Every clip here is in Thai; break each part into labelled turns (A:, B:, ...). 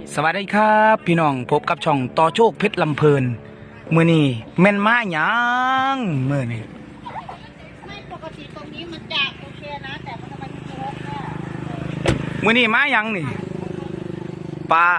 A: สวัสดีครับพี่น้องพบกับช่องต่อโชคเพชรลำเพลินมื้อนี้แม่นมาหยังมื้อนี้
B: ไม่ปกติตรงนี้มันจะโอเคนะแต่มันทำไมมันรกเนี่ย
A: มื้อนี้มาหยังนี่ปลา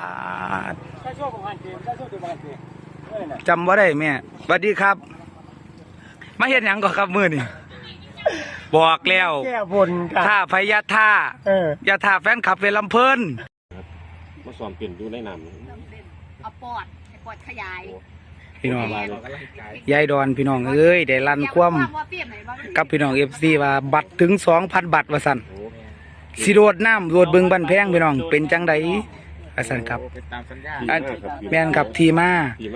A: จำว่าได้แม่สวัสดีครับมาเฮ็ดหยังก่อนครับมื้อนี้บอกแล้ว
C: แก้บนกัน
A: ท่าพญาท่ายาท่าแฟนคลับเพชรลำเพลิน
D: มาสอนเปลี่ยนดูในน้ำ
B: เอาปอดขยาย
A: พี่น้องยายดอนพี่น้องเอ้ยได้ลั่นคว่ำกับพี่น้องFCว่าบัตรถึง 2,000 บัตรว่าซั่นสิโดดน้ำโดดบึงบันแพงพี่น้องเป็นจังไดว่าซั่นครับแม่นครับทีมา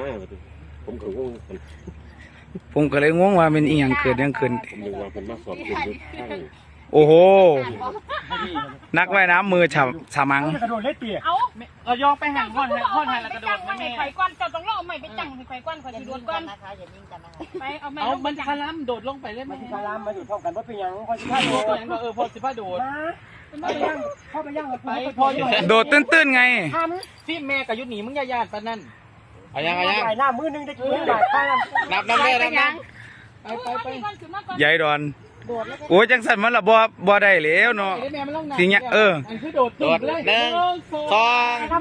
A: ผมก็เลยงงว่าเป็นอีหยังเกิดยังขึ้น
D: ผมนึกว่าเป็นมาสอนเปลี่ยนดูข้าง
A: โอ้โหนักว่ายน้ำมือฉมัง
C: กระโดดเล็ดเปีย
E: เอายองไปห่างก้อนแล้วกระโดด
B: ไม่ไข่ก้อนเจ้าต้องล่อไม่ไปจังไข่ก้อนไข่โดดก้อน
E: นะคะอย่านิ่งกันนะคะไปเอามันคาลัมโดดลงไปเลย
C: มันคาลัมมาอยู่พร้อมกันว่าเป็นยังพอสิบห้าโดด
E: พอ15โดด
C: พ่อไปย่าง
E: ไปพออยู่
A: โดดตื้นๆไง
E: ที่แม่กับยุทธหนีมึงญาติปนนั่น
C: เอายังหน้ามือนึงได้กินหลายข้าง
E: นับแม่นับไป
A: ยายดอนโอ้ยจังสันมันละบ่ได้แล้วเนาะสิเงี้ย
E: คือโดดเลย
A: 1 2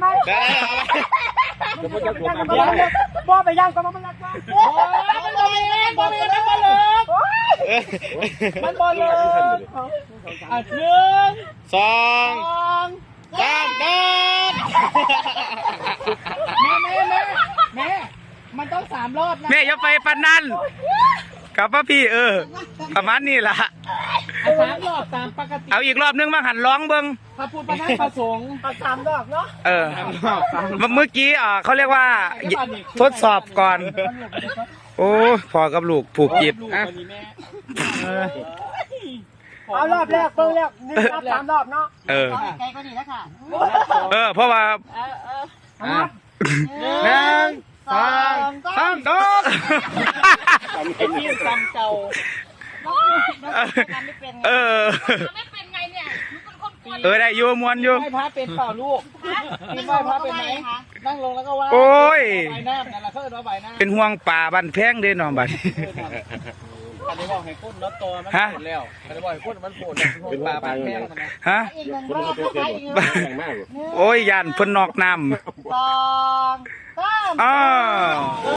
C: บ่ไปย่างก็มันรักว่า
E: มันบ่เลิกมันบ่เลิก
A: 1 2 3โดด
E: แม่มันต้อง3 รอบนะ
A: แม่อย่าไปปานนั้นกับพ่อพี่ประมาณนี้ล่ะ
E: 3 รอบตามปกติ
A: เอาอีกรอบนึงมาหันร้องเบิ่ง
E: พระพุทธพระธรรมพระสงฆ์
C: 3 รอบเนาะ
A: เมื่อกี้เขาเรียกว่าทดสอบก่อนโอ้พอกับลูกผูกจิต
C: เอารอบแรกเพิ่งแรก1 รอบ 3 รอบเนาะ
B: ไกลกว่านี้แล้วค่ะ
A: เพราะว่า1 2 3โดด
E: ที่จำเก่า
B: ไม่เป็นไงเนี่ย
A: ได้อยู่มวนอยู่
E: ไหว้พระเป็นเปล่าลูกไหว้พระเป็นไหมนั่งลงแล้วก็ไหว้
A: โอ้ย
E: ใบหน้านั่นแหละเขาเรียกว่าใบหน้า
A: เป็นห่วงป่าบันแพงเด้น้องบัด
E: อันนี้บอกให้ก้นน็อตตัวมันโผล่แล้วอันนี้บอกให้ก้นมันโผล่เป็นป่าบันแพง
A: ฮะโอ้ยยันเพิ่นนอกน้ำ
B: 2 3